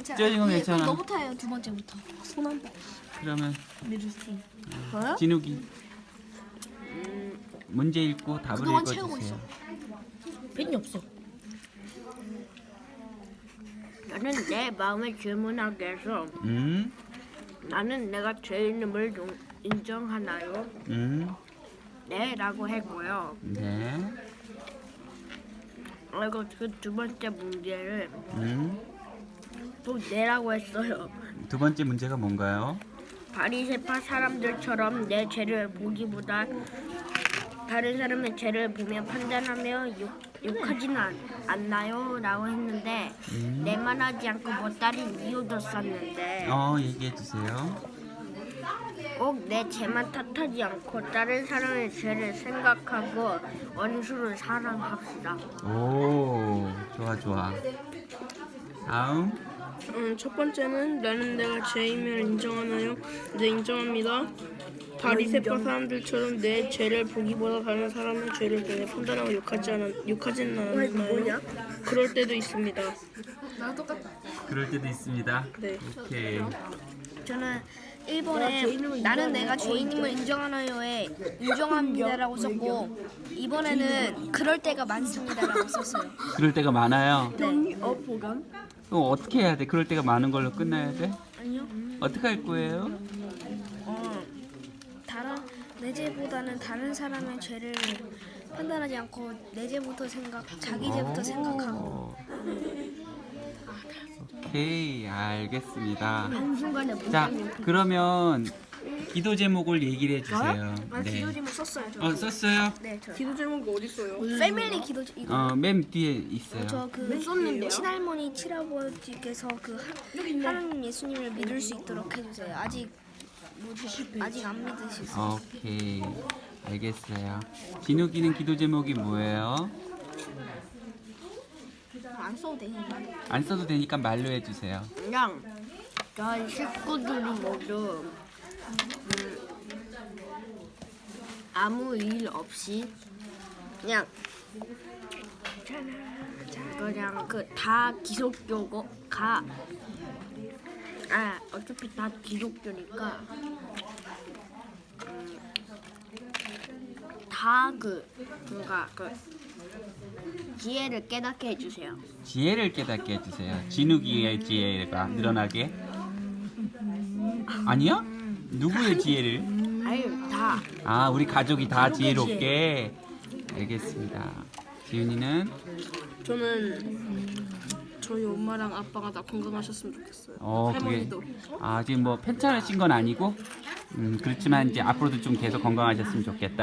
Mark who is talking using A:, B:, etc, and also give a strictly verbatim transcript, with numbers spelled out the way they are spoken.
A: 괜찮아.
B: 쪄진 건
A: 예,
B: 괜찮아.
A: 그럼 너부터 해요. 두 번째부터. 손 한 번.
B: 그러면
A: 미르스틴. 저요?
B: 진욱이 문제 읽고 답을
A: 그동안 채우고
B: 읽어주세요.
A: 펜이 없어.
C: 나는 내 마음을 질문하게 해서
B: 음,
C: 나는 내가 죄인임을 동- 인정하나요?
B: 음,
C: 네 라고 했고요.
B: 네,
C: 그리고 그 두 번째 문제를
B: 음.
C: 또 네라고 했어요.
B: 두 번째 문제가 뭔가요?
C: 바리새파 사람들처럼 내 죄를 보기보다 다른 사람의 죄를 보며 판단하며 욕, 욕하지는 않, 않나요? 라고 했는데
B: 음.
C: 내만 하지 않고 뭐 다른 이유도 썼는데
B: 어, 얘기해 주세요.
C: 꼭 내 죄만 탓하지 않고 다른 사람의 죄를 생각하고 원수를 사랑합시다.
B: 오, 좋아, 좋아. 다음.
D: 음, 첫 번째는 나는 내가 죄임을 인정하나요? 네, 인정합니다. 바리새파 사람들처럼 내 죄를 보기보다 다른 사람의 죄를 보며 판단하고 욕하지 않아, 욕하지는 않나요? 그럴 때도 있습니다.
A: 나랑 똑같다.
B: 그럴 때도 있습니다.
D: 네.
B: 오케이.
A: 저는 일 번에 나는 내가 죄인임을 인정하나요에 인정합니다라고 썼고 이 번에는 그럴 때가 많습니다라고 썼어요.
B: 그럴 때가 많아요.
A: 네.
C: 어 보감?
B: 그럼 어떻게 해야 돼? 그럴 때가 많은 걸로 끝나야 돼?
A: 아니요.
B: 어떻게 할 거예요?
A: 어, 다른 내 죄보다는 다른 사람의 죄를 판단하지 않고 내 죄부터 생각, 자기 죄부터 생각하고.
B: 오. 오케이, 알겠습니다.
C: 한순간에
B: 자, 그러면 기도 제목을 얘기를 해주세요.
A: 아,
B: 네.
A: 기도 제목 썼어요. 저.
B: 어, 썼어요?
A: 네, 저.
D: 기도 제목이 어디 있어요?
A: 패밀리 기도 제- 이거.
B: 어, 맨 뒤에 있어요.
A: 저그 친할머니 친아버지께서 그 하- 하나님 예수님을 믿을 수 있도록 해주세요. 아직 뭐지? 아직 안 믿으시죠?
B: 오케이, 알겠어요. 진욱이는 기도 제목이 뭐예요?
A: 안 써도 되니까.
B: 안 써도 되니까 말로 해주세요.
C: 그냥 저희 식구들이 모두 음, 아무 일 없이 그냥 그냥 그 다 기독교고 가. 아 어차피 다 기독교니까 음, 다그 뭔가 그 지혜를 깨닫게 해주세요.
B: 지혜를 깨닫게 해주세요. 진욱이의 지혜가 늘어나게. 아니요? 누구의 지혜를?
C: 아유 다
B: 아, 우리 가족이 다 지혜롭게. 알겠습니다. 지훈이는
D: 저는 저희 엄마랑 아빠가 다 건강하셨으면 좋겠어요.
B: 어, 그게
D: 할머니도.
B: 아, 지금 뭐 편찮으신 건 아니고 음, 그렇지만 이제 앞으로도 좀 계속 건강하셨으면 좋겠다.